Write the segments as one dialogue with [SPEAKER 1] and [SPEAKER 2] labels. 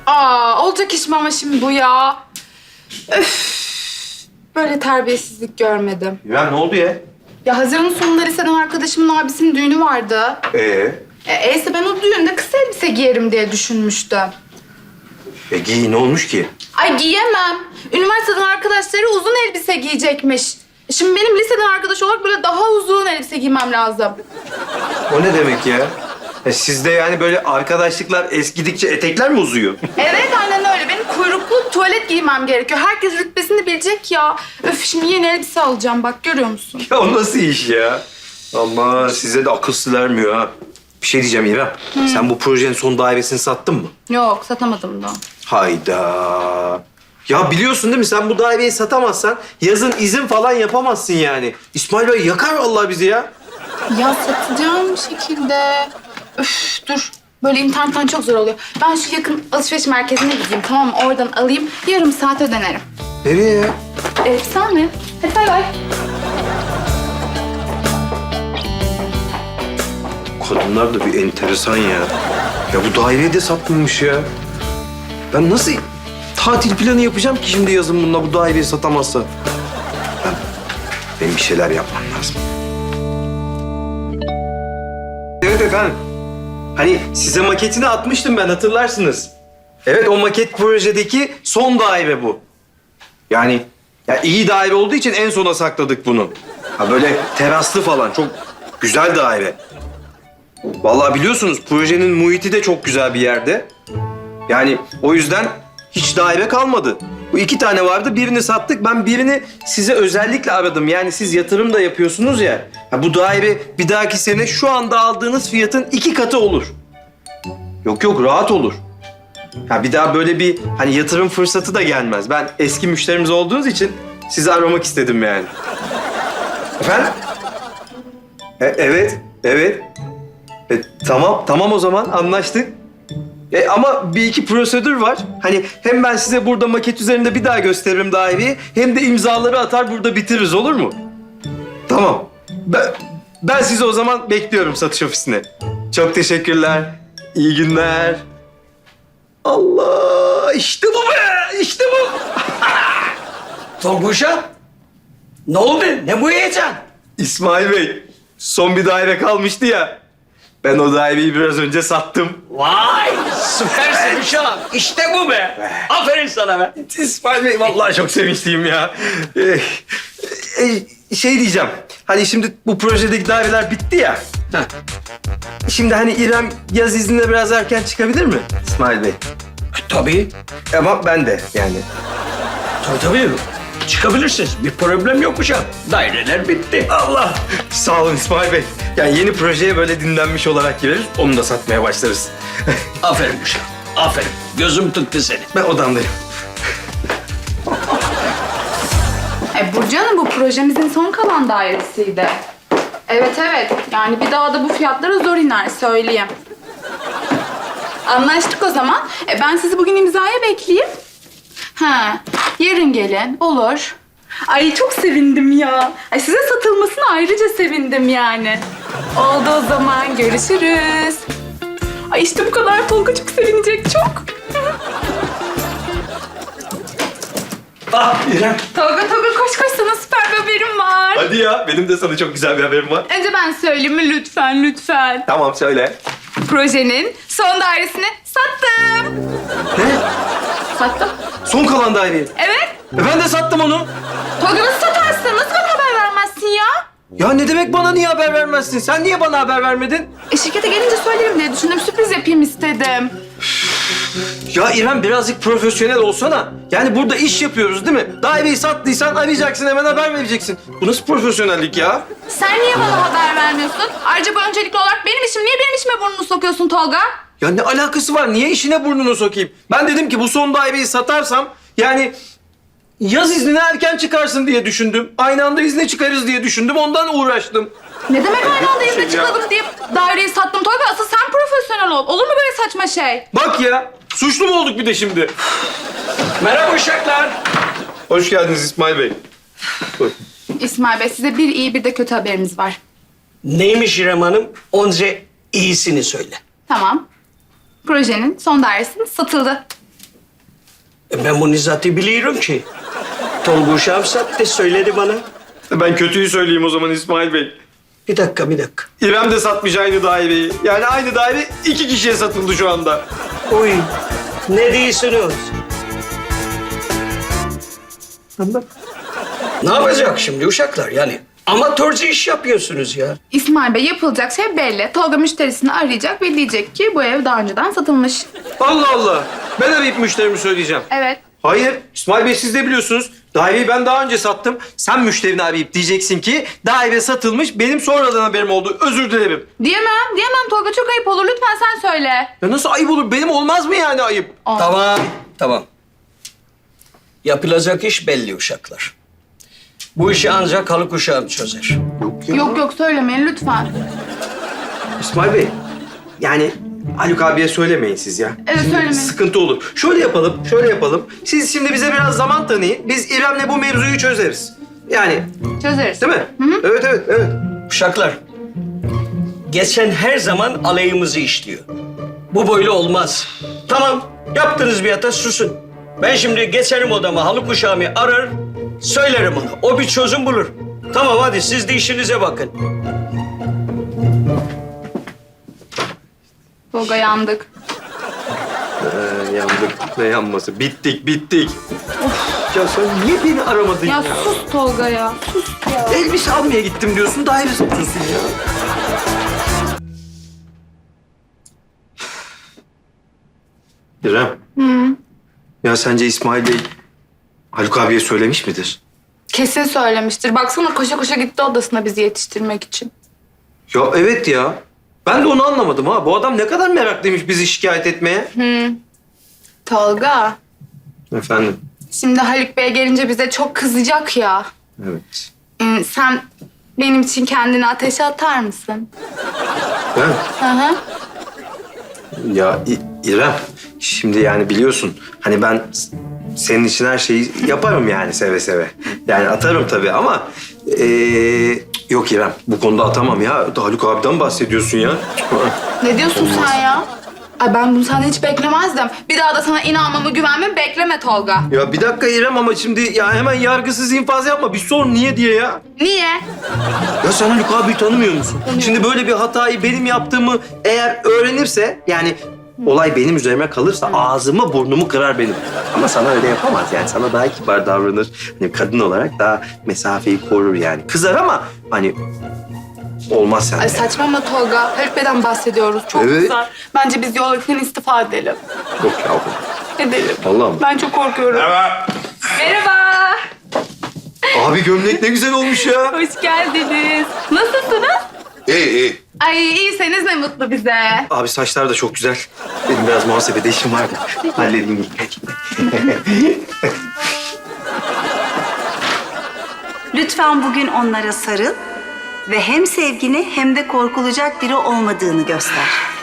[SPEAKER 1] Olacak iş mi ama şimdi bu ya? Öf, böyle terbiyesizlik görmedim.
[SPEAKER 2] İrem ne oldu ya?
[SPEAKER 1] Ya Haziran'ın sonunda liseden arkadaşımın abisinin düğünü vardı. Eyse ben o düğünde kısa elbise giyerim diye düşünmüştüm.
[SPEAKER 2] Giy ne olmuş ki?
[SPEAKER 1] Ay giyemem. Üniversiteden arkadaşları uzun elbise giyecekmiş. Şimdi benim liseden arkadaş olarak böyle daha uzun elbise giymem lazım.
[SPEAKER 2] O ne demek ya? Sizde yani böyle arkadaşlıklar eskidikçe etekler mi uzuyor?
[SPEAKER 1] Evet aynen öyle. Benim kuyruklu tuvalet giymem gerekiyor. Herkes rütbesini bilecek ya. Öf şimdi yeni elbise alacağım bak görüyor musun?
[SPEAKER 2] Ya o nasıl iş ya? Ama size de akıl sır vermiyor ha. Bir şey diyeceğim İrem. Sen bu projenin son dairesini sattın mı?
[SPEAKER 1] Yok satamadım da.
[SPEAKER 2] Hayda. Ya biliyorsun değil mi? Sen bu daireyi satamazsan yazın izin falan yapamazsın yani. İsmail Bey yakar vallahi bizi ya.
[SPEAKER 1] Ya satacağım bir şekilde. Öf dur. Böyle internetten çok zor oluyor. Ben şu yakın alışveriş merkezine gideyim tamam mı? Oradan alayım. Yarım saate dönerim.
[SPEAKER 2] Nereye ya?
[SPEAKER 1] Sen mi? Hadi bay bay.
[SPEAKER 2] Kadınlar da bir enteresan ya. Ya bu daireyi de satmamış ya. Ben nasıl tatil planı yapacağım ki şimdi yazın bununla bu daireyi satamazsa? Benim bir şeyler yapmam lazım. Evet efendim. Hani size maketini atmıştım ben hatırlarsınız. Evet o maket projedeki son daire bu. Yani ya iyi daire olduğu için en sona sakladık bunu. Ha böyle teraslı falan çok güzel daire. Vallahi biliyorsunuz projenin muhiti de çok güzel bir yerde. Yani o yüzden hiç daire kalmadı. Bu 2 tane vardı, birini sattık. Ben birini size özellikle aradım. Yani siz yatırım da yapıyorsunuz ya. Ha, bu daire bir dahaki sene şu anda aldığınız fiyatın 2 katı olur. Yok rahat olur. Ha, bir daha böyle bir hani yatırım fırsatı da gelmez. Ben eski müşterimiz olduğunuz için sizi aramak istedim yani. Efendim? Evet. Tamam o zaman anlaştık. Ama bir iki prosedür var. Hani hem ben size burada maket üzerinde bir daha gösteririm daireyi hem de imzaları atar burada bitiririz olur mu? Tamam. Ben sizi o zaman bekliyorum satış ofisine. Çok teşekkürler. İyi günler. Allah işte bu be işte bu.
[SPEAKER 3] Tonguç'a ne oldu? Ne bu heyecan?
[SPEAKER 2] İsmail Bey son bir daire kalmıştı ya. Ben o daireyi biraz önce sattım.
[SPEAKER 3] Vay süpersin uşağım. İşte bu be. Aferin sana be.
[SPEAKER 2] İsmail Bey vallahi çok sevinçliyim ya. Şey diyeceğim. Hani şimdi bu projedeki daireler bitti ya.
[SPEAKER 3] Heh.
[SPEAKER 2] Şimdi hani İrem yaz iznine biraz erken çıkabilir mi İsmail Bey?
[SPEAKER 3] Tabii.
[SPEAKER 2] Ama ben de yani.
[SPEAKER 3] Tabii. Çıkabilirsiniz. Bir problem yok uşağım. Daireler bitti.
[SPEAKER 2] Allah! Sağ olun İsmail Bey. Yani yeni projeye böyle dinlenmiş olarak gireriz. Onu da satmaya başlarız.
[SPEAKER 3] Aferin uşağım. Aferin. Gözüm tuttu seni.
[SPEAKER 2] Ben odamdayım.
[SPEAKER 1] Burcu Hanım bu projemizin son kalan dairesiydi. Evet. Yani bir daha da bu fiyatlara zor iner söyleyeyim. Anlaştık o zaman. Ben sizi bugün imzaya bekleyeyim. Yarın gelin. Olur. Ay çok sevindim ya. Ay size satılmasına ayrıca sevindim yani. Oldu o zaman. Görüşürüz. Ay işte bu kadar Tolga çok sevinecek çok.
[SPEAKER 2] İrem.
[SPEAKER 1] Tolga koş sana süper bir haberim var.
[SPEAKER 2] Hadi ya benim de sana çok güzel bir haberim var.
[SPEAKER 1] Önce ben söyleyeyim mi lütfen.
[SPEAKER 2] Tamam söyle.
[SPEAKER 1] Projenin son dairesini sattım.
[SPEAKER 2] Ne?
[SPEAKER 1] Sattım.
[SPEAKER 2] Son kalan daireyi.
[SPEAKER 1] Evet.
[SPEAKER 2] Ben de sattım onu.
[SPEAKER 1] Tolga nasıl satarsın? Nasıl bana haber vermezsin ya?
[SPEAKER 2] Ya ne demek bana niye haber vermezsin? Sen niye bana haber vermedin?
[SPEAKER 1] Şirkete gelince söylerim diye düşündüm. Sürpriz yapayım istedim.
[SPEAKER 2] Ya İrem birazcık profesyonel olsana. Yani burada iş yapıyoruz değil mi? Daireyi sattıysan arayacaksın hemen haber vereceksin. Bu nasıl profesyonellik ya?
[SPEAKER 1] Sen niye bana haber vermiyorsun? Ayrıca bu öncelikli olarak benim işim. Niye benim işime burnunu sokuyorsun Tolga?
[SPEAKER 2] Ya ne alakası var? Niye işine burnunu sokayım? Ben dedim ki bu son daireyi satarsam yani yaz iznine erken çıkarsın diye düşündüm. Aynı anda izne çıkarız diye düşündüm. Ondan uğraştım.
[SPEAKER 1] Ne demek aynı anda izne
[SPEAKER 2] ya.
[SPEAKER 1] çıkalım diye daireyi sattım Tolga? Asıl sen profesyonel ol. Olur mu böyle saçma şey?
[SPEAKER 2] Bak ya suçlu mu olduk bir de şimdi?
[SPEAKER 3] Merhaba uşaklar.
[SPEAKER 2] Hoş geldiniz İsmail Bey. Buyurun.
[SPEAKER 1] İsmail Bey size bir iyi bir de kötü haberimiz var.
[SPEAKER 3] Neymiş İrem Hanım? Önce iyisini söyle.
[SPEAKER 1] Tamam. Projenin son dairesi satıldı.
[SPEAKER 3] Ben bu Nizat'ı biliyorum ki. Tolga uşağım sattı, söyledi bana.
[SPEAKER 2] Ben kötüyü söyleyeyim o zaman İsmail Bey.
[SPEAKER 3] Bir dakika.
[SPEAKER 2] İrem de satmış aynı daireyi. Yani aynı daire 2 kişiye satıldı şu anda.
[SPEAKER 3] Uy, ne diyorsunuz? Ne yapacak şimdi uşaklar yani? Amatörce iş yapıyorsunuz ya.
[SPEAKER 1] İsmail Bey, yapılacak şey belli. Tolga müşterisini arayacak ve diyecek ki bu ev daha önceden satılmış.
[SPEAKER 2] Allah Allah. Ben arayıp müşterimi söyleyeceğim.
[SPEAKER 1] Evet.
[SPEAKER 2] Hayır. İsmail Bey siz de biliyorsunuz. Daireyi ben daha önce sattım. Sen müşterini arayıp diyeceksin ki daire satılmış. Benim sonradan haberim oldu. Özür dilerim.
[SPEAKER 1] Diyemem Tolga, çok ayıp olur. Lütfen sen söyle.
[SPEAKER 2] Ya nasıl ayıp olur? Benim olmaz mı yani ayıp?
[SPEAKER 3] Tamam. Yapılacak iş belli uşaklar. Bu işi ancak Haluk uşağım çözer.
[SPEAKER 1] Yok söylemeyin lütfen.
[SPEAKER 2] İsmail Bey. Yani Haluk abiye söylemeyin siz ya.
[SPEAKER 1] Evet,
[SPEAKER 2] Şimdi
[SPEAKER 1] söylemeyin.
[SPEAKER 2] sıkıntı olur. Şöyle yapalım. Siz şimdi bize biraz zaman tanıyın. Biz İrem'le bu mevzuyu çözeriz. Yani
[SPEAKER 1] Çözeriz.
[SPEAKER 2] değil mi? Evet.
[SPEAKER 3] Uşaklar, geçen her zaman aleyhimizi işliyor. Bu böyle olmaz. Tamam, yaptınız bir hata, susun. Ben şimdi geçerim odama, Haluk uşağımı arar, söylerim ona. O bir çözüm bulur. Tamam, hadi siz de işinize bakın.
[SPEAKER 1] Tolga, yandık.
[SPEAKER 2] Yandık. Ne yanması? Bittik. Ya sen niye beni aramadın ya?
[SPEAKER 1] Ya sus Tolga ya. Sus ya.
[SPEAKER 2] Elbise almaya gittim diyorsun, daire satıyorsun ya. İrem. Ya sence İsmail Bey Haluk abiye söylemiş midir?
[SPEAKER 1] Kesin söylemiştir. Baksana koşa koşa gitti odasına bizi yetiştirmek için.
[SPEAKER 2] Ya evet ya. Ben de onu anlamadım ha. Bu adam ne kadar meraklıymış bizi şikayet etmeye.
[SPEAKER 1] Tolga,
[SPEAKER 2] Efendim?
[SPEAKER 1] şimdi Haluk Bey gelince bize çok kızacak ya.
[SPEAKER 2] Evet.
[SPEAKER 1] Sen benim için kendini ateşe atar mısın?
[SPEAKER 2] Ben?
[SPEAKER 1] Hı.
[SPEAKER 2] Ya İrem, şimdi yani biliyorsun hani ben senin için her şeyi yaparım yani seve seve. Yani atarım tabii ama yok İrem, bu konuda atamam ya. Haluk abiden bahsediyorsun ya.
[SPEAKER 1] Ne diyorsun sen ya? Ay, ben bunu senden hiç beklemezdim. Bir daha da sana inanmamı, güvenmemi bekleme Tolga.
[SPEAKER 2] Ya bir dakika İrem ama şimdi ya hemen yargısız infaz yapma. Bir sor niye diye ya.
[SPEAKER 1] Niye?
[SPEAKER 2] Ya sen Haluk abiyi tanımıyor musun? Şimdi böyle bir hatayı benim yaptığımı eğer öğrenirse yani olay benim üzerime kalırsa ağzımı burnumu kırar benim. Ama sana öyle yapamaz yani. Sana daha kibar davranır. Hani kadın olarak daha mesafeyi korur yani. Kızar ama hani olmaz sende.
[SPEAKER 1] Ay saçmalama Tolga. Haluk Bey'den bahsediyoruz. Çok
[SPEAKER 2] Evet.
[SPEAKER 1] güzel. Bence biz yolculuktan istifa edelim.
[SPEAKER 2] Yok yavrum.
[SPEAKER 1] Edelim.
[SPEAKER 2] Vallahi mi?
[SPEAKER 1] Ben çok korkuyorum. Merhaba.
[SPEAKER 2] Abi gömlek ne güzel olmuş ya.
[SPEAKER 1] Hoş geldiniz. Nasılsınız?
[SPEAKER 4] İyi.
[SPEAKER 1] Ay iyiyseniz ne mutlu bize.
[SPEAKER 2] Abi saçlar da çok güzel. Benim biraz muhasebede işim vardı. Halledeyim.
[SPEAKER 5] Lütfen bugün onlara sarıl ve hem sevgini hem de korkulacak biri olmadığını göster.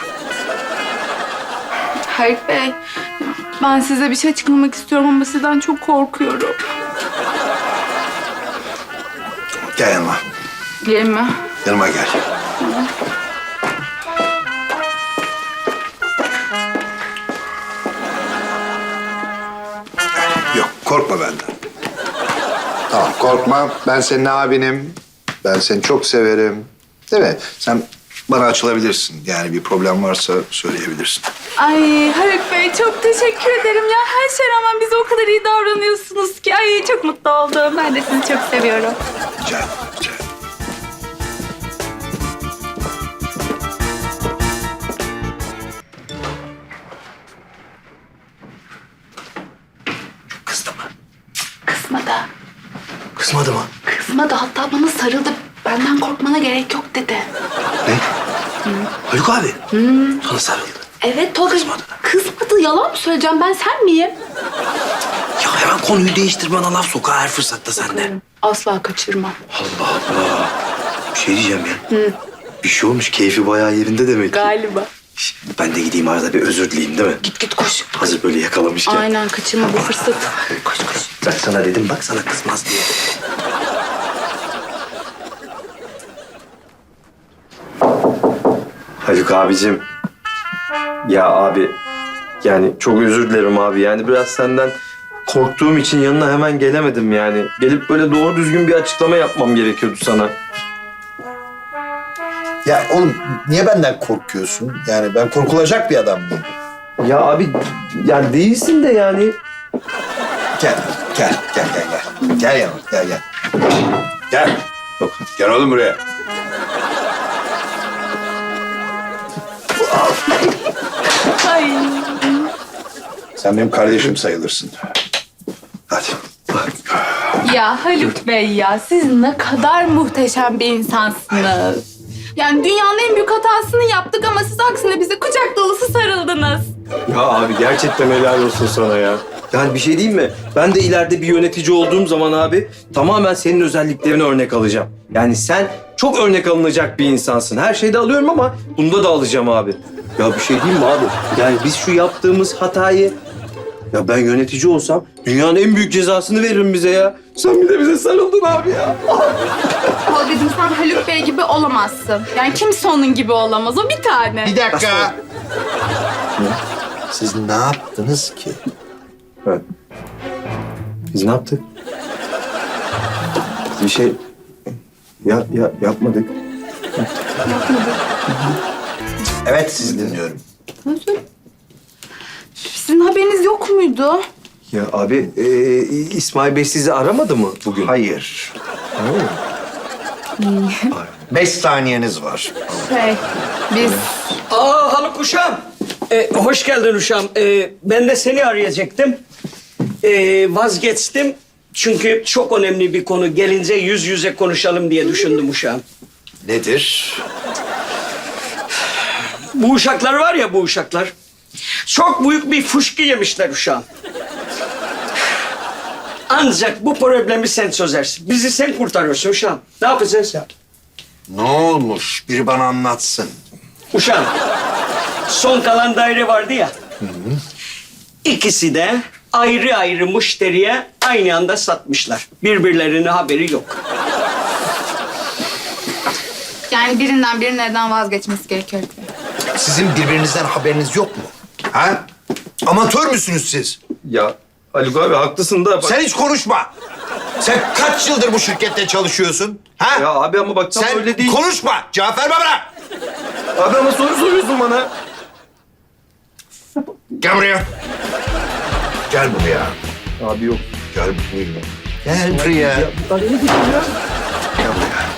[SPEAKER 1] Haluk Bey, ben size bir şey açıklamak istiyorum ama sizden çok korkuyorum.
[SPEAKER 4] Gel yanıma.
[SPEAKER 1] Gelin mi?
[SPEAKER 4] Yanıma gel. Yok, korkma benden. Tamam, korkma. Ben senin abinim. Ben seni çok severim. Değil mi? Sen bana açılabilirsin. Yani bir problem varsa söyleyebilirsin.
[SPEAKER 1] Ay Haluk Bey çok teşekkür ederim ya. Her şeye rağmen bize o kadar iyi davranıyorsunuz ki. Ay çok mutlu oldum. Ben de sizi çok seviyorum.
[SPEAKER 4] Rica ederim, rica ederim.
[SPEAKER 2] Kızdı mı?
[SPEAKER 1] Kızmadı.
[SPEAKER 2] Kızmadı mı?
[SPEAKER 1] Kızmadı. Hatta bana sarıldı. Benden korkmana gerek yok dedi.
[SPEAKER 2] Ne? Haluk abi. Sana sarıldı.
[SPEAKER 1] Evet Tolga.
[SPEAKER 2] Kızmadı.
[SPEAKER 1] Kızmadı. Yalan mı söyleyeceğim? Ben sen miyim?
[SPEAKER 2] Ya hemen konuyu değiştir bana laf soka her fırsatta sende.
[SPEAKER 1] Asla kaçırmam.
[SPEAKER 2] Allah Allah. Bir şey diyeceğim ya. Bir şey olmuş. Keyfi bayağı yerinde demek ki.
[SPEAKER 1] Galiba.
[SPEAKER 2] Şş, ben de gideyim arada bir özür dileyeyim değil mi?
[SPEAKER 1] Git koş.
[SPEAKER 2] Hazır böyle yakalamışken.
[SPEAKER 1] Aynen kaçırma bu fırsatı. Koş.
[SPEAKER 2] Ben sana dedim bak sana kızmaz diye. Haluk abicim. Ya abi yani çok özür dilerim abi. Yani biraz senden korktuğum için yanına hemen gelemedim yani. Gelip böyle doğru düzgün bir açıklama yapmam gerekiyordu sana.
[SPEAKER 4] Ya oğlum niye benden korkuyorsun? Yani ben korkulacak bir adam mıyım?
[SPEAKER 2] Ya abi yani değilsin de yani.
[SPEAKER 4] Gel. Gel yanıma, gel. Gel. Gel oğlum buraya.
[SPEAKER 1] Ay.
[SPEAKER 4] Sen benim kardeşim sayılırsın. Hadi.
[SPEAKER 1] Ya Haluk Bey ya siz ne kadar muhteşem bir insansınız. Yani dünyanın en büyük hatasını yaptık ama siz aksine bize kucak dolusu sarıldınız.
[SPEAKER 2] Ya abi gerçekten helal olsun sana ya. Yani bir şey diyeyim mi? Ben de ileride bir yönetici olduğum zaman abi tamamen senin özelliklerini örnek alacağım. Yani sen çok örnek alınacak bir insansın. Her şeyde alıyorum ama bunda da alacağım abi. Ya bir şey diyeyim mi abi? Yani biz şu yaptığımız hatayı... Ya ben yönetici olsam dünyanın en büyük cezasını veririm bize ya. Sen bir de bize sarıldın abi ya.
[SPEAKER 1] Tolga'cığım sen Haluk Bey gibi olamazsın. Yani kimse onun gibi olamaz. O bir tane.
[SPEAKER 4] Bir dakika. Siz ne yaptınız ki?
[SPEAKER 2] Evet. Biz ne yaptık? Biz bir şey yapmadık.
[SPEAKER 4] Evet, sizi dinliyorum.
[SPEAKER 1] Sizin haberiniz yok muydu?
[SPEAKER 2] Ya abi İsmail Bey sizi aramadı mı bugün?
[SPEAKER 4] Hayır. 5 saniyeniz var.
[SPEAKER 1] Biz...
[SPEAKER 3] Haluk uşağım. Hoş geldin uşağım. Ben de seni arayacaktım. Vazgeçtim. Çünkü çok önemli bir konu. Gelince yüz yüze konuşalım diye düşündüm uşağım.
[SPEAKER 4] Nedir?
[SPEAKER 3] Bu uşaklar var ya bu uşaklar. Çok büyük bir fışkı yemişler uşağım. Ancak bu problemi sen çözersin. Bizi sen kurtarıyorsun uşağım. Ne yapacağız ya?
[SPEAKER 4] Ne olmuş? Biri bana anlatsın.
[SPEAKER 3] Uşağım, son kalan daire vardı ya. İkisi de ayrı ayrı müşteriye aynı anda satmışlar. Birbirlerine haberi yok.
[SPEAKER 1] Yani birinden biri neden vazgeçmesi gerekiyor ki?
[SPEAKER 4] Sizin birbirinizden haberiniz yok mu? Ha? Amatör müsünüz siz?
[SPEAKER 2] Ya Haluk abi haklısın da... Bak...
[SPEAKER 4] Sen hiç konuşma. Sen kaç yıldır bu şirkette çalışıyorsun? Ha?
[SPEAKER 2] Ya abi ama bak tam
[SPEAKER 4] Sen
[SPEAKER 2] öyle değil.
[SPEAKER 4] konuşma. Cevap verme bana.
[SPEAKER 2] Abi ama soru soruyorsun bana.
[SPEAKER 4] Gel buraya. Gel buraya.
[SPEAKER 2] Abi yok.
[SPEAKER 4] Gel buraya. Gel buraya. Gel buraya.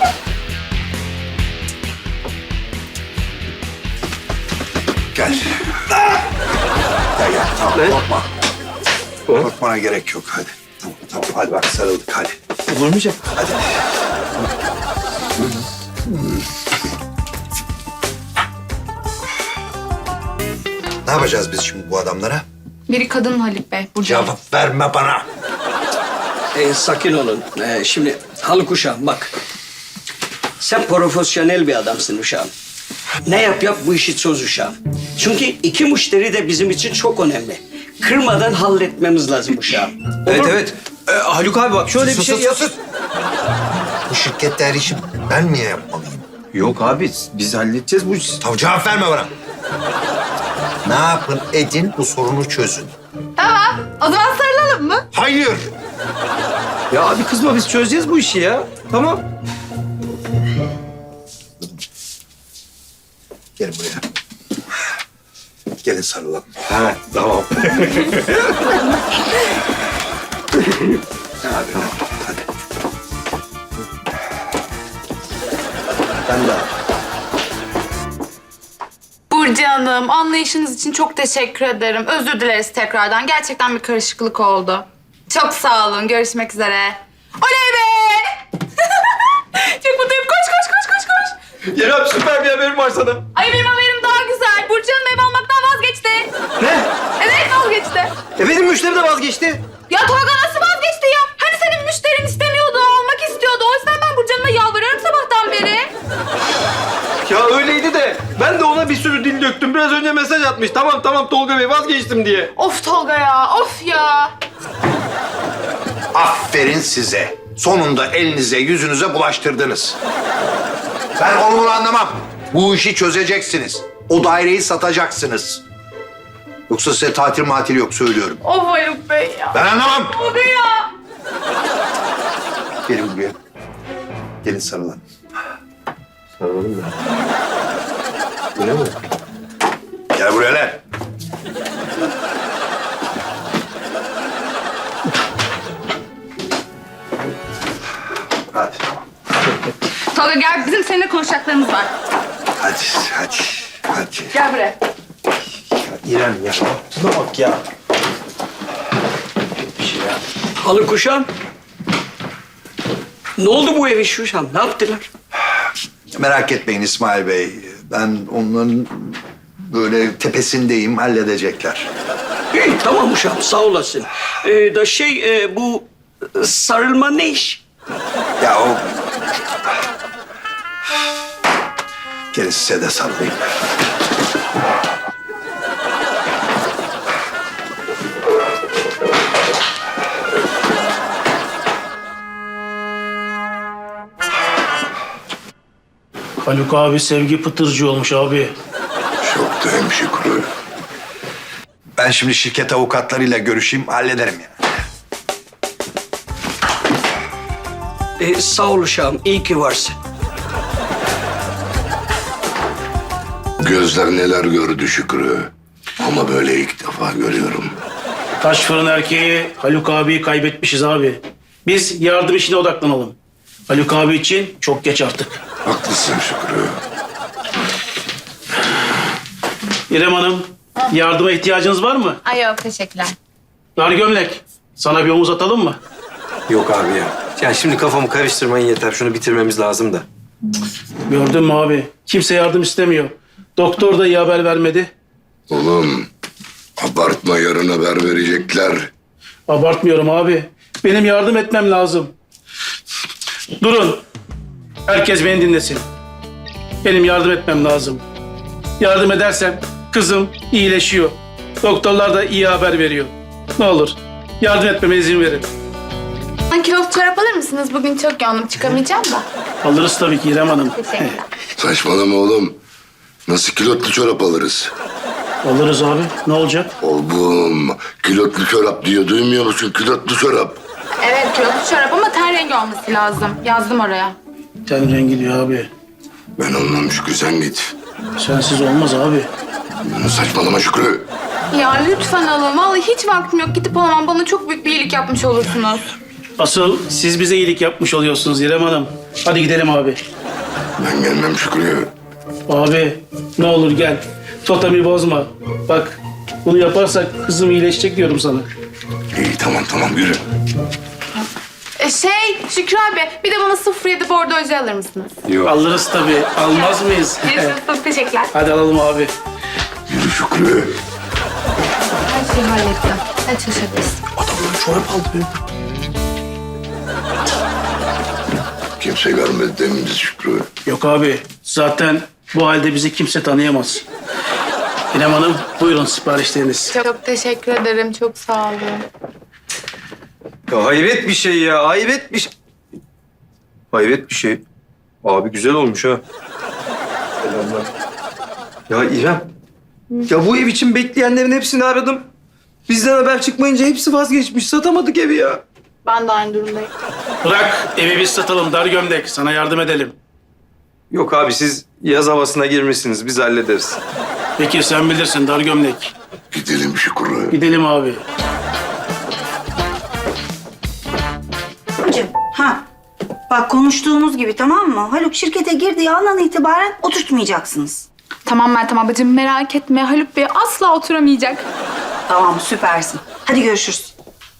[SPEAKER 4] Gel. Gel. Tamam,
[SPEAKER 2] Ne?
[SPEAKER 4] korkma. Korkmana gerek yok. Hadi. Tamam. Hadi bak sarıldık. Hadi.
[SPEAKER 2] Vurmayacak.
[SPEAKER 4] Hadi. Ne yapacağız biz şimdi bu adamlara?
[SPEAKER 1] Biri kadın Haluk Bey. Burcu.
[SPEAKER 4] Cevap verme bana.
[SPEAKER 3] Sakin olun. Şimdi Haluk uşağım bak. Sen profesyonel bir adamsın uşağım. Ne yap bu işi çöz uşağım. Çünkü iki müşteri de bizim için çok önemli. Kırmadan halletmemiz lazım uşağım.
[SPEAKER 2] Evet
[SPEAKER 3] Olur mu?
[SPEAKER 2] evet. Haluk abi bak şöyle bir şey yap.
[SPEAKER 4] Sus. Bu şirkette her işi ben mi yapmalıyım?
[SPEAKER 2] Yok abi biz halledeceğiz bu işi.
[SPEAKER 4] Tamam, cevap verme bana. Ne yapın edin bu sorunu çözün.
[SPEAKER 1] Tamam. O zaman sarılalım mı?
[SPEAKER 4] Hayır.
[SPEAKER 2] Ya abi kızma biz çözeceğiz bu işi ya. Tamam.
[SPEAKER 4] Gelin buraya. Gelin sarılalım.
[SPEAKER 2] Ha tamam.
[SPEAKER 4] Hadi. Ben de.
[SPEAKER 1] Burcu Hanım, anlayışınız için çok teşekkür ederim. Özür dileriz tekrardan. Gerçekten bir karışıklık oldu. Çok sağ olun. Görüşmek üzere. Oley be! Çok mutluyum. Koş.
[SPEAKER 2] Yerem süper bir haberim var sana.
[SPEAKER 1] Ay benim haberim daha güzel. Burcu Hanım ev almaktan vazgeçti.
[SPEAKER 2] Ne?
[SPEAKER 1] Evet vazgeçti.
[SPEAKER 2] Benim müşteri de vazgeçti.
[SPEAKER 1] Ya Tolga nasıl vazgeçti ya? Hani senin müşterin istemiyordu, almak istiyordu. O yüzden ben Burcu Hanım'a yalvarıyorum sabahtan beri.
[SPEAKER 2] Ya öyleydi de ben de ona bir sürü dil döktüm. Biraz önce mesaj atmış. Tamam Tolga Bey vazgeçtim diye.
[SPEAKER 1] Of Tolga ya, of ya.
[SPEAKER 4] Aferin size. Sonunda elinize yüzünüze bulaştırdınız. Ben onu bunu anlamam. Bu işi çözeceksiniz. O daireyi satacaksınız. Yoksa size tatil matil yok söylüyorum.
[SPEAKER 1] Of Haluk Bey ya.
[SPEAKER 4] Ben anlamam.
[SPEAKER 1] Tolga ya.
[SPEAKER 4] Gelin buraya. Gelin sarılın.
[SPEAKER 2] Sarılalım mı? Öyle mi?
[SPEAKER 4] Gel buraya lan. Hadi.
[SPEAKER 1] Tolga gel, bizim seninle konuşacaklarımız var.
[SPEAKER 4] Hadi, hadi, hadi.
[SPEAKER 1] Gel buraya.
[SPEAKER 2] İrem ya. Şuna bak ya.
[SPEAKER 3] Haluk uşağım. Ne oldu bu ev işi uşağım? Ne yaptılar?
[SPEAKER 4] Merak etmeyin İsmail Bey. Ben onların böyle tepesindeyim, halledecekler.
[SPEAKER 3] İyi tamam uşağım sağ olasın. Bu sarılma ne iş?
[SPEAKER 4] Ya o... Gelin size de sarılayım.
[SPEAKER 6] Haluk abi sevgi pıtırcı olmuş abi.
[SPEAKER 4] Çok da hemşire. Ben şimdi şirket avukatlarıyla görüşeyim, hallederim yani.
[SPEAKER 3] Sağ ol uşağım iyi ki varsın.
[SPEAKER 7] Gözler neler gördü Şükrü. Ama böyle ilk defa görüyorum.
[SPEAKER 6] Taş fırın erkeği Haluk abiyi kaybetmişiz abi. Biz yardım işine odaklanalım. Haluk abi için çok geç artık.
[SPEAKER 7] Haklısın Şükrü.
[SPEAKER 6] İrem Hanım, yardıma ihtiyacınız var mı?
[SPEAKER 1] Ay yok, teşekkürler.
[SPEAKER 6] Dar gömlek, sana bir omuz atalım mı?
[SPEAKER 2] Yok abi ya. Ya şimdi kafamı karıştırmayın yeter. Şunu bitirmemiz lazım da.
[SPEAKER 6] Gördün mü abi? Kimse yardım istemiyor. Doktor da iyi haber vermedi.
[SPEAKER 7] Oğlum abartma, yarın haber verecekler.
[SPEAKER 6] Abartmıyorum abi. Benim yardım etmem lazım. Durun. Herkes beni dinlesin. Benim yardım etmem lazım. Yardım edersem kızım iyileşiyor. Doktorlar da iyi haber veriyor. Ne olur yardım etmeme izin verin.
[SPEAKER 1] Kiloluk çorap alır mısınız? Bugün çok yoğunum, çıkamayacağım da.
[SPEAKER 6] Alırız tabii ki İrem Hanım.
[SPEAKER 1] Teşekkürler.
[SPEAKER 7] Saçmalama oğlum. Nasıl kilotlu çorap alırız?
[SPEAKER 6] Alırız abi. Ne olacak?
[SPEAKER 7] Oğlum kilotlu çorap diyor, duymuyor musun? Kilotlu çorap.
[SPEAKER 1] Evet, kiloluk çorap ama ten rengi olması lazım. Yazdım oraya.
[SPEAKER 6] Ten rengi diyor abi.
[SPEAKER 7] Ben anlam Şükrü, sen git.
[SPEAKER 6] Sensiz olmaz abi.
[SPEAKER 7] Saçmalama Şükrü.
[SPEAKER 1] Ya lütfen alın. Vallahi hiç vaktim yok. Gidip alamam. Bana çok büyük bir iyilik yapmış olursunuz.
[SPEAKER 6] Asıl siz bize iyilik yapmış oluyorsunuz İrem Hanım. Hadi gidelim abi.
[SPEAKER 7] Ben gelmem Şükrü.
[SPEAKER 6] Abi ne olur gel. Totemi bozma. Bak bunu yaparsak kızım iyileşecek diyorum sana.
[SPEAKER 7] İyi tamam yürü.
[SPEAKER 1] Şükrü abi, bir de bana 07 bordo oje alır mısınız?
[SPEAKER 6] Alırız tabii. Almaz mıyız?
[SPEAKER 1] Çok teşekkürler.
[SPEAKER 6] Hadi alalım abi.
[SPEAKER 7] Yürü Şükrü.
[SPEAKER 1] Her şeyi hallettim. Hadi çalışabiliriz.
[SPEAKER 6] Adamlar çorap aldı be.
[SPEAKER 7] Kimse görmedi deminiz Şükrü.
[SPEAKER 6] Yok abi. Zaten bu halde bizi kimse tanıyamaz. İrem Hanım buyurun siparişleriniz.
[SPEAKER 1] Çok teşekkür ederim. Çok sağ olun.
[SPEAKER 2] Ya hayret bir şey ya. Hayret bir şey. Hayret bir şey. Abi güzel olmuş ha. Selamlar. Ya İrem. Ya bu ev için bekleyenlerin hepsini aradım. Bizden haber çıkmayınca hepsi vazgeçmiş. Satamadık evi ya.
[SPEAKER 1] Ben de aynı durumdayım.
[SPEAKER 6] Bırak evi biz satalım dar gömlek. Sana yardım edelim.
[SPEAKER 2] Yok abi siz yaz havasına girmişsiniz. Biz hallederiz.
[SPEAKER 6] Peki sen bilirsin dar gömlek.
[SPEAKER 7] Gidelim Şükrü.
[SPEAKER 6] Gidelim abi.
[SPEAKER 5] Ha. Bak konuştuğumuz gibi tamam mı? Haluk şirkete girdiği andan itibaren oturtmayacaksınız.
[SPEAKER 1] Tamam Meltem ablacığım, merak etme. Haluk Bey asla oturamayacak.
[SPEAKER 5] Tamam süpersin. Hadi görüşürüz.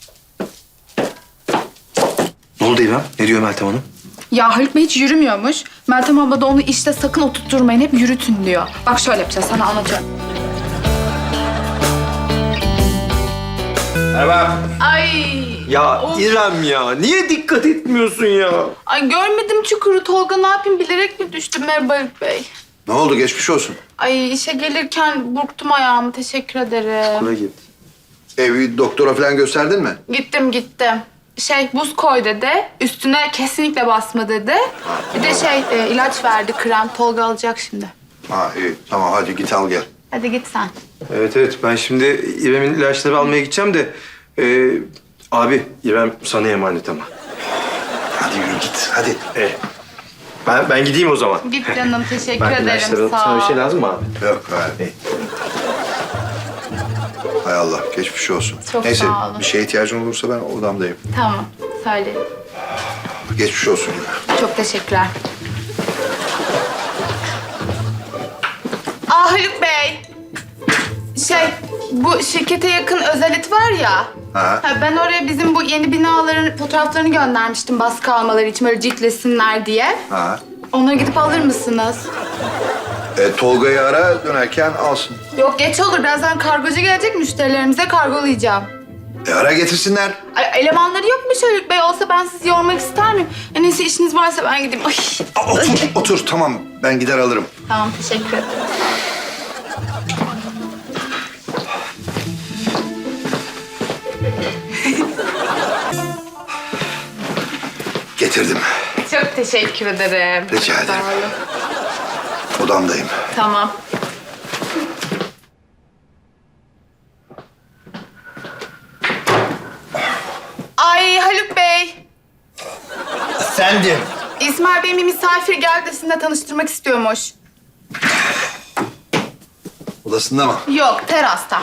[SPEAKER 2] Ne oldu İrem? Ne diyor Meltem Hanım?
[SPEAKER 1] Ya Haluk Bey hiç yürümüyormuş. Meltem abla da onu işte sakın oturtturmayın, hep yürütün diyor. Bak şöyle yapacağız, sana anlatıyorum.
[SPEAKER 2] Merhaba.
[SPEAKER 1] Ay.
[SPEAKER 2] Ya
[SPEAKER 1] Of.
[SPEAKER 2] İrem ya. Niye dikkat etmiyorsun ya?
[SPEAKER 1] Ay görmedim çukuru Tolga, ne yapayım, bilerek mi düştüm? Merhaba Haluk Bey.
[SPEAKER 4] Ne oldu, geçmiş olsun.
[SPEAKER 1] Ay işe gelirken burktum ayağımı, teşekkür ederim.
[SPEAKER 2] Buna git.
[SPEAKER 4] Evi doktora falan gösterdin mi?
[SPEAKER 1] Gittim. Buz koy dedi. Üstüne kesinlikle basma dedi. Bir de ilaç verdi, krem. Tolga alacak şimdi.
[SPEAKER 4] Ha iyi, tamam hadi git al gel.
[SPEAKER 1] Hadi git sen.
[SPEAKER 2] Evet ben şimdi İrem'in ilaçları almaya gideceğim de... abi İrem sana emanet ama.
[SPEAKER 4] Hadi yürü git, hadi.
[SPEAKER 2] Ben gideyim o zaman.
[SPEAKER 1] Git canım, teşekkür
[SPEAKER 2] Ben
[SPEAKER 1] ederim.
[SPEAKER 2] ilaçları
[SPEAKER 1] Sağ
[SPEAKER 2] sana bir
[SPEAKER 1] ol.
[SPEAKER 2] şey lazım mı abi?
[SPEAKER 4] Yok abi. Hay Allah, geçmiş olsun.
[SPEAKER 1] Çok
[SPEAKER 4] Neyse,
[SPEAKER 1] sağ olun.
[SPEAKER 4] bir şeye ihtiyacın olursa ben odamdayım.
[SPEAKER 1] Tamam, söyle.
[SPEAKER 4] Geçmiş olsun yine.
[SPEAKER 1] Çok teşekkürler. Haluk Bey. Bu şirkete yakın özelit var ya.
[SPEAKER 4] Ha.
[SPEAKER 1] Ben oraya bizim bu yeni binaların fotoğraflarını göndermiştim baskı almaları için böyle ciltlesinler diye.
[SPEAKER 4] Ha.
[SPEAKER 1] Onları gidip alır mısınız?
[SPEAKER 4] Tolga'yı ara, dönerken alsın.
[SPEAKER 1] Yok geç olur. Birazdan kargocu gelecek, müşterilerimize kargolayacağım.
[SPEAKER 4] Ara getirsinler.
[SPEAKER 1] Ay, elemanları yok mu Haluk Bey? Olsa ben sizi yormak ister miyim? Neyse işiniz varsa ben gideyim. Ay.
[SPEAKER 4] Otur, tamam. Ben gider alırım.
[SPEAKER 1] Tamam, teşekkür ederim.
[SPEAKER 4] Getirdim.
[SPEAKER 1] Çok teşekkür ederim.
[SPEAKER 4] Rica ederim.
[SPEAKER 1] Sağ olun.
[SPEAKER 4] Odamdayım.
[SPEAKER 1] Tamam. Ay Haluk Bey.
[SPEAKER 4] Efendim?
[SPEAKER 1] İsmail Bey'in bir misafir geldi de sizinle tanıştırmak istiyormuş.
[SPEAKER 4] Odasında mı?
[SPEAKER 1] Yok, terasta.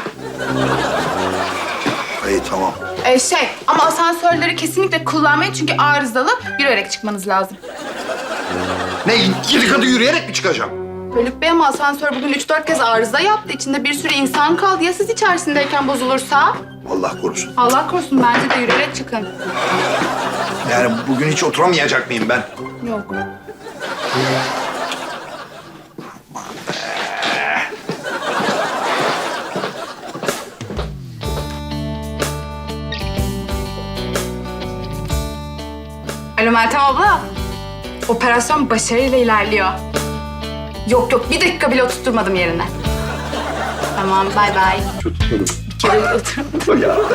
[SPEAKER 4] İyi, tamam.
[SPEAKER 1] Ama asansörleri kesinlikle kullanmayın çünkü arızalı. Yürüyerek çıkmanız lazım.
[SPEAKER 4] Ne, 7 katı yürüyerek mi çıkacağım?
[SPEAKER 1] Haluk Bey ama asansör bugün 3-4 kez arıza yaptı. İçinde bir sürü insan kaldı. Ya siz içerisindeyken bozulursa?
[SPEAKER 4] Allah korusun.
[SPEAKER 1] Allah korusun, bence de yürüyerek çıkın.
[SPEAKER 4] Yani bugün hiç oturamayacak mıyım ben?
[SPEAKER 1] Yok. Alo Meltem abla. Operasyon başarıyla ilerliyor. Yok, bir dakika bile oturtmadım yerine. Tamam, bay bay.
[SPEAKER 2] Tutmadım.
[SPEAKER 1] Bir kere bile oturmadım.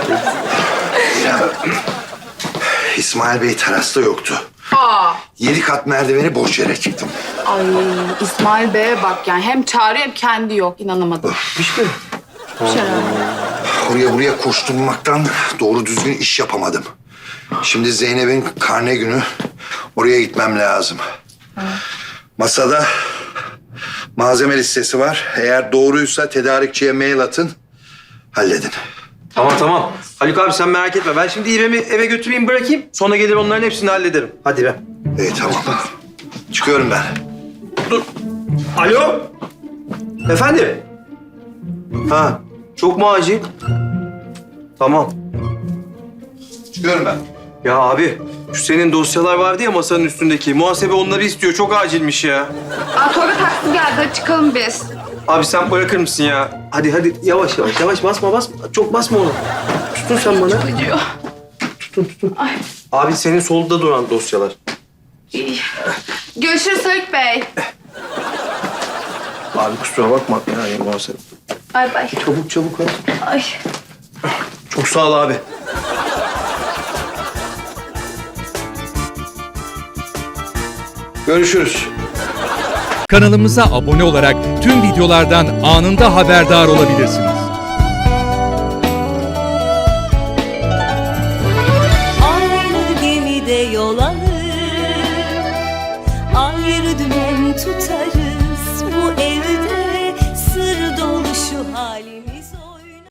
[SPEAKER 4] İsmail Bey terasta yoktu.
[SPEAKER 1] Aa.
[SPEAKER 4] 7 kat merdiveni boş yere çıktım.
[SPEAKER 1] Ay İsmail Bey'e bak yani. Hem çağırıyor hem kendi yok. İnanamadım.
[SPEAKER 4] Hiç mi?
[SPEAKER 1] Şöyle.
[SPEAKER 4] Oraya buraya koşturmaktan doğru düzgün iş yapamadım. Şimdi Zeynep'in karne günü. Oraya gitmem lazım. Masada malzeme listesi var. Eğer doğruysa tedarikçiye mail atın. Halledin.
[SPEAKER 2] Tamam. Haluk abi sen merak etme. Ben şimdi İrem'i eve götüreyim bırakayım. Sonra gelir onların hepsini hallederim. Hadi İrem.
[SPEAKER 4] İyi, tamam. Çıkıyorum ben.
[SPEAKER 2] Dur. Alo? Efendim? Ha, çok mu acil? Tamam.
[SPEAKER 4] Çıkıyorum ben.
[SPEAKER 2] Ya abi, şu senin dosyalar vardı ya masanın üstündeki. Muhasebe onları istiyor. Çok acilmiş ya.
[SPEAKER 1] Tolga taksi geldi. Hadi çıkalım biz.
[SPEAKER 2] Abi sen bırakır mısın ya? Hadi yavaş basma. Çok basma onu. Tutun sen bana.
[SPEAKER 1] Acıyor.
[SPEAKER 2] Tutun. Abi senin solda duran dosyalar.
[SPEAKER 1] İyi. Görüşürüz Haluk Bey.
[SPEAKER 2] Abi kusura bakma yani muhasebe.
[SPEAKER 1] Bay bay.
[SPEAKER 2] Çabuk hadi.
[SPEAKER 1] Ay.
[SPEAKER 2] Çok sağ ol abi.
[SPEAKER 4] Görüşürüz.
[SPEAKER 8] Kanalımıza abone olarak tüm videolardan anında haberdar olabilirsiniz.